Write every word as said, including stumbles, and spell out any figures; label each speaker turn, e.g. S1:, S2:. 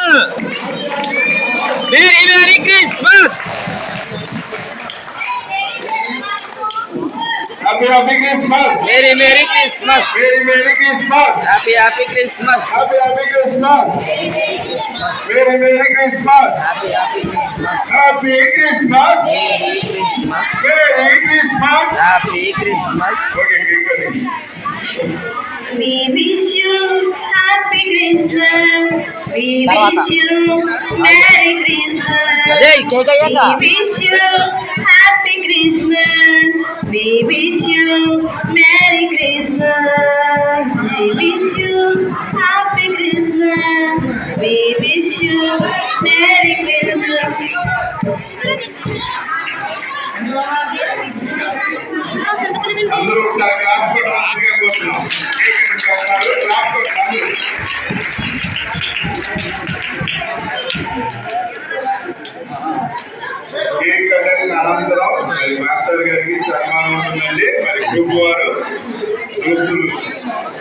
S1: Merry Merry Christmas.
S2: Happy Happy Christmas.
S1: Merry Merry Christmas.
S2: Merry Merry Christmas.
S1: Happy Happy Christmas.
S2: Happy Happy Christmas.
S1: Merry Christmas.
S2: Merry Merry Christmas.
S1: Happy Happy Christmas.
S2: Happy Christmas.
S1: Merry Christmas.
S2: Merry Christmas.
S1: Happy Christmas.
S2: Okay, keep going.
S3: We wish you happy Christmas. We wish you Merry Christmas.
S1: Hey, cake ayan
S3: We wish you happy Christmas. We wish you Merry Christmas. We wish you happy Christmas. We wish you Merry Christmas.
S2: అందరూ ఒకసారి class కొట్టాల్సిందిగా కోరుతున్నాం. Class కొట్టాలి. Cake cutting అనంతరం మరి master గారికి సన్మానం ఉంటుందండి. మరి గ్రూప్ వారు గ్రూపులు